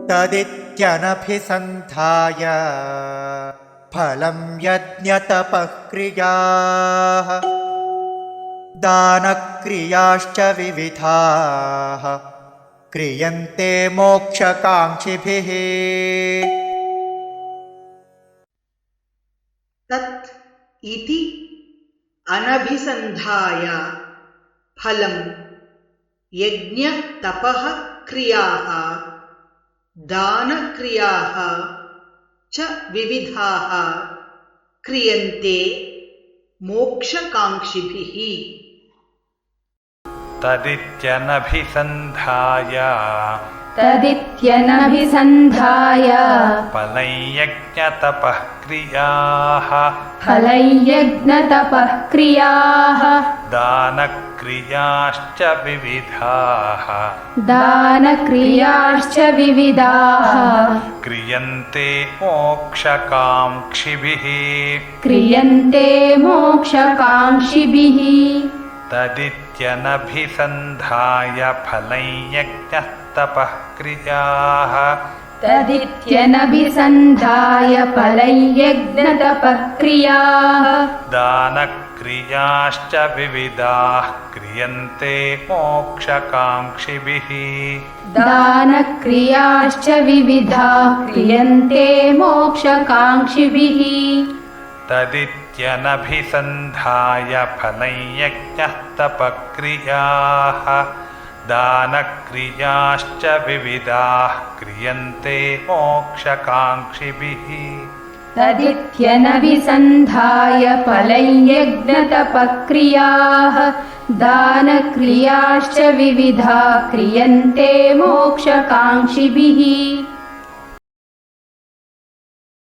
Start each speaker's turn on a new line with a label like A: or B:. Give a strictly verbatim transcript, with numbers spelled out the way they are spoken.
A: तदित्यनभिसन्धाय फलं यज्ञतपः क्रियाः दानक्रियाश्च विविधाः क्रियन्ते मोक्षकाङ्क्षिभिः।
B: तत् इति अनभिसन्धाय फलं यज्ञ तपः क्रियाः दानक्रियाः च विविधाः क्रियन्ते मोक्षकाङ्क्षिभिः।
C: तदित्यनभिसन्धाय
D: तदित्यनभिसन्धाय
C: फलं यज्ञतपः क्रियाः
D: फलयज्ञतपः क्रियाः
C: दानक्रियाश्च विविधाः
D: दानक्रियाश्च विविधाः
C: क्रियन्ते मोक्षकाङ्क्षिभिः
D: क्रियन्ते मोक्षकाङ्क्षिभिः।
C: तदित्यनभिसन्धाय फलं यज्ञतपः क्रियाः
D: तदित्यनभिसन्धाय फलयज्ञतपः क्रियाः
C: दानक्रियाश्च विविधाः क्रियन्ते मोक्षकाङ्क्षिभिः
D: दानक्रियाश्च विविधाः क्रियन्ते मोक्षकाङ्क्षिभिः।
C: तदित्यनभिसन्धाय फलं यज्ञतपः क्रियाः दानक्रियाश्च विविधाः क्रियन्ते मोक्षकाङ्क्षिभिः।
D: तदित्यनभिसन्धाय फलयज्ञतपः क्रियाः दानक्रियाश्च विविधाः क्रियन्ते मोक्षकाङ्क्षिभिः।